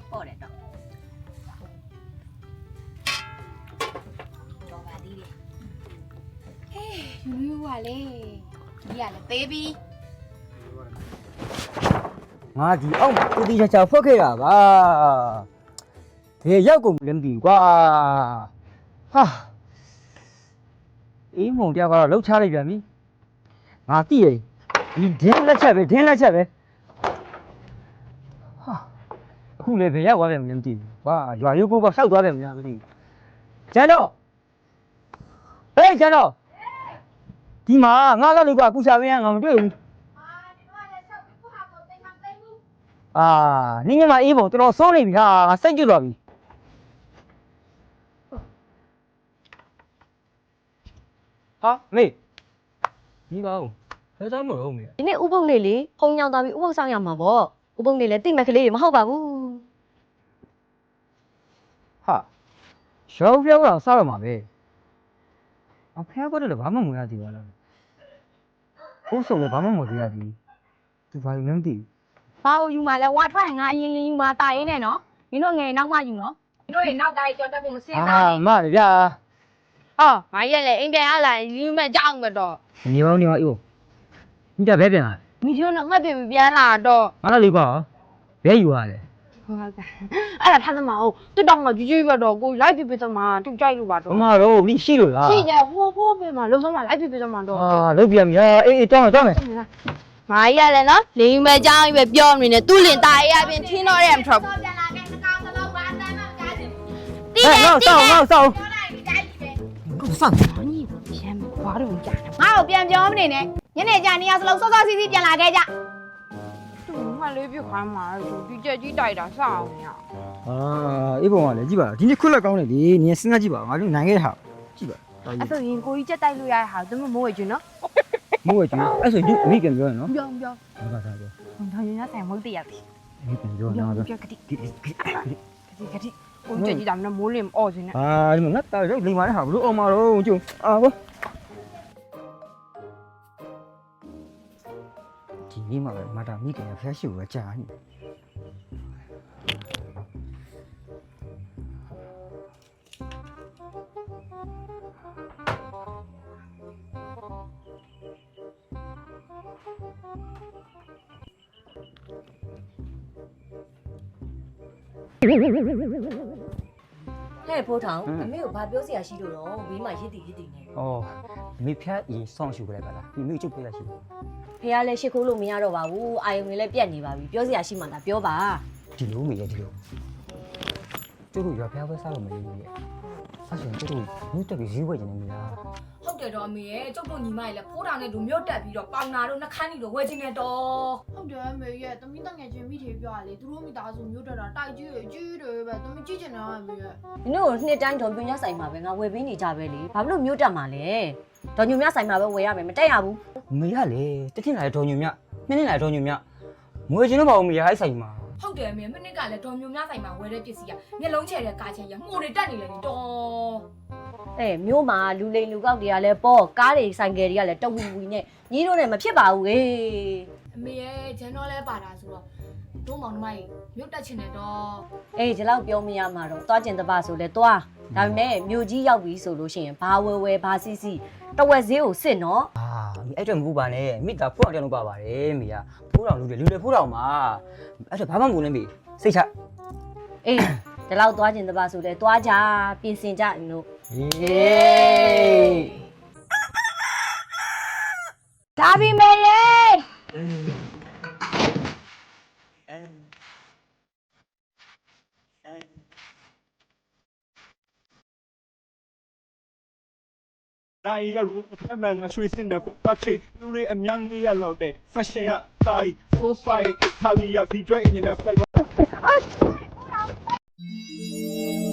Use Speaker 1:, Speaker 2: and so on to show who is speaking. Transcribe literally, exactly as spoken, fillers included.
Speaker 1: ပေါ့တယ်တော့တော်ပါသေးတယ်ဟေးယူယူပါလေဒီရလေသေးပြီ
Speaker 2: ငါဒီအောက်ကိုတီချာချာဖွက်ခဲ့တာပါဘယ်ရောက်ကုန်လဲမသိဘူးကွာဟာအေးမုံတယောက်ကတော့လှုပ်ချလိုက်ပြန်ပြီငါသိရဒီဒင်းလက်ချက်ပဲဒင်းလက်ချက်ပဲဟာအခုလည်းဘယ်ရောက်သွားပြန်မလဲမသိဘူးကွာရွာရုပ်ကိုပေါ့ဆောက်သွားပြန်မလားမသိဘူးကျန်တော့ဟေးကျန်တော့ဒီမှာငါကလည်းကွာကုစားမင်းငါမတွေ့ဘူးအာနင်းကမှအေးပုံတော်တော်စိုးနေပြီဟာငါစိတ်ကြွသွားပြီဟာမေဒီကောင်ဘယ်သားမလို့မေ
Speaker 3: ဒီနေ့ဥပုပ်လေးလေဖုံညောင်းသွားပြီးဥပုပ်ဆောင်ရမှာပေါ့ဥပုပ်လေးလည်းတိတ်မဲ့ကလေးတွေမဟုတ်ပါဘူး
Speaker 2: ဟာရောပြောင်းတော့စားရမှာပဲအဖေကတော့လည်းဘာမှမရသေးပါလားဘိုးဆုံးလည်းဘာမှမသိရသေးသူဘာလို့လဲမသိဘူး
Speaker 1: ဘာလို့ယူมาလဲဝါထွက်ငါအရင်ရင်ယူมาတာရင်းနဲ့နော်မင်းတို့ငယ်နောက်မှယူနော်မင်းတို့ရေနောက်တိုင်းကြော်တက်ဖို့မစင်ပါ
Speaker 2: ဘူးအာမလေဗျာ
Speaker 1: ဟာငါရက်လေအိမ်ပြန်ရလာယူမဲ့ကြောက်မတော့
Speaker 2: နေပါဦးနေပါဦးမိတာဘဲပြန်လာ
Speaker 1: မိချိုးတော့ငတ်ပြီပြန်လာတော့
Speaker 2: ငါလည်းလေးကွာဘဲယူရလဲ
Speaker 1: ဟုတ်ကဲ့အဲ့ဒါထားသမားဟုတ်တွတ်တော့ငါကြွကြွပဲတော့ကိုလိုက်ပြပြသမားသူကြိုက်လို့ပါတော့
Speaker 2: မမတော့မိရှိလို့လား
Speaker 1: ရှိတယ်ဟိုးဟိုးပဲမှာလုံးစုံမှာလိုက်ပြပြသမားတော့
Speaker 2: အာလုတ်ပြန်ပြီအေးအေးတောင်းမယ်တောင်းမယ်
Speaker 1: မာကြီးရလဲနော်လင်းမဲ့ကြောင်းပဲပြောနေတယ်သူ့လင်ตายရပြင်ထင်းတော့ရဲမထွက်ဘူးပြန်လာခဲ့နှကောင်သလုံးပါအတမ်းမှမကြားချင်ဘူးတီးတယ်တီးတယ်ငါ့ဆောက်ပြောလိုက်ကြိုက်တယ်ကိုဆောက်ညီရမ်းဘာလို့ကြားနေငါ့ကိုပြန်ပြောမနေနဲ့ညနေကျနေရစလုံးစောစောစီးစီးပြန်လာခဲ့ကြသူ့မှလေးပြခိုင်းမှာဒီကြက်ကြီးတိုက်တာစအောင်ည
Speaker 2: အာအေးပုံကလည်းကြည့်ပါဒီနေ့ခွက်လက်ကောင်းတယ်လေနင်စဉ်းစားကြည့်ပါငါတို့နိုင်ခဲ့တာကြည့်ပါ
Speaker 1: အဲ့ဆိုရင်ကိုကြီးကြက်တိုက်လို့ရတဲ့ဟာသူမမိုးဝဲကျွန်းနော်
Speaker 2: မိုးဝဲကျွန်းအဲ့ဆိုရင်အမိပြန်ပြောရနော်
Speaker 1: ပြောပြော
Speaker 2: ဘာသာပြော
Speaker 1: ထောင်ရင်းဆိုင်မဟုတ်တရပြီ
Speaker 2: အမိပြန်ပြောနော်
Speaker 1: ပြောကတိကတိကတိကတိကိုကြက်ကြီးဒါမှမိုးလင်းအော်စင်းနဲ့
Speaker 2: အာဒီမှာငါတာရောက်လိမ္မာတဲ့ဟာဘလို့အောင်မတော့ကျုံအာဘောဒီနေ့မှပဲမတာမိခင်ဖျက်ရှိကိုကြာနေ
Speaker 3: ဟဲ့ဖိုးထောင်အမေကိုဘာပြောစရာရှိလို့တော့ဘေးမှာရစ်တည်ရစ်တည်နေ
Speaker 2: ဩမိဖက်ရင်ဆောင်းရှူကြလိုက်ပါလားဒီမိကျုပ်ပေးလိုက်ရှိ
Speaker 3: ဖေကလည်းရှစ်ခိုးလို့မရတော့ပါဘူးအာယုံတွေလည်းပြတ်နေပါပြီပြောစရာရှိမှလားပြောပါ
Speaker 2: ဒီလိုမေးရဒီလိုကျုပ်တို့ရွာဖျားပွဲစားလို့မလေးဘူးရဲ့အဲ့ဆိုရင်ကျုပ်တို့မြို့တက်ပြီးဈေးဝယ်နေနေလား
Speaker 1: ဟုတ်တယ်တော့အမေရဲ့ကျုပ်တို့ညီမရဲ့လည်းဖိုးထောင်နဲ့တို့မြို့တက်ပြီးတော့ပေါင်နာတို့နှခမ်းကြီးတို့ဝယ်ခြင်းနဲ့တော့
Speaker 4: ဟုတ်တယ်အမေရဲ့သမီးတငယ်ချင်းမိထေပြောရလေသူတို့မိသားစုမြို့တက်တာတိုက်ကြီးကြီးတယ်ပဲသမီးကြည့်ချင်တာအမေရဲ့
Speaker 3: ဒီတို့နှစ်တိုင်းတော်ပြညဆိုင်မှာပဲငါဝယ်ပေးနေကြပဲလေဘာလို့မြို့တက်မှာလဲတော်ညုံမြဆိုင်မှာပဲဝယ်ရမယ်မတက်ရဘူး
Speaker 2: မေရလေတထင်လာတော်ညုံမြနှစ်နှစ်လာတော်ညုံမြငွေချင်းတော့ပါဦးမေရအဲ့ဆိုင်မှာ
Speaker 1: ဟုတ်တယ်အမေမနစ်ကလည်းဒေါ်မျိုးများဆိုင်မှာဝယ်တဲ့ပစ္စည်းကမျက်လုံးချဲတဲ့ကားချဲရမှုတွေတက်နေလေတော့
Speaker 3: အဲမြို့မှာလူလိန်လူကောက်တွေကလည်းပေါ့ကားတွေဆိုင်ကယ်တွေကလည်းတဝူဝီနဲ့ညီတို့နဲ့မဖြစ်ပါဘူးဟေး
Speaker 1: အမေရဲ့ဂျန်တော့လဲပါတာဆိုတော့တို့မောင်နှမကြီးမြို့တက်ချင်တယ်တော့
Speaker 3: အေးဒီလောက်ပြောမရမှာတော့သွားကျင်တပါဆိုလဲသွားဒါပေမဲ့မြို့ကြီးရောက်ပြီဆိုလို့ရှိရင်ဘာဝဲဝဲဘာစီစီတဝက်ဈေးကိုစစ်နော်
Speaker 2: အာအဲ့တော့မဟုတ်ပါနဲ့မိသားဖိုးအောင်တောင်လုပ်ပါပါတယ်မေကဖိုးအောင်လူတွေလူတွေဖိုးအောင်မှာအဲ့တော့ဘာမှမလုပ်နဲ့မေစိတ်ချ
Speaker 3: အေးဒီလောက်သွားကျင်တပါဆိုလဲသွားကြပြင်ဆင်ကြလို့
Speaker 2: အေး
Speaker 1: ဒါပြီမေရေ
Speaker 5: တိုင်းကလူအမှန်ကဆွေးစင်တဲ့ပတ်ချေလူတွေအများကြီးရလို့တဲ့ fashion ကတိုင်း full fight ဟာလီယာဒီဒရိုက်နေတဲ့ flag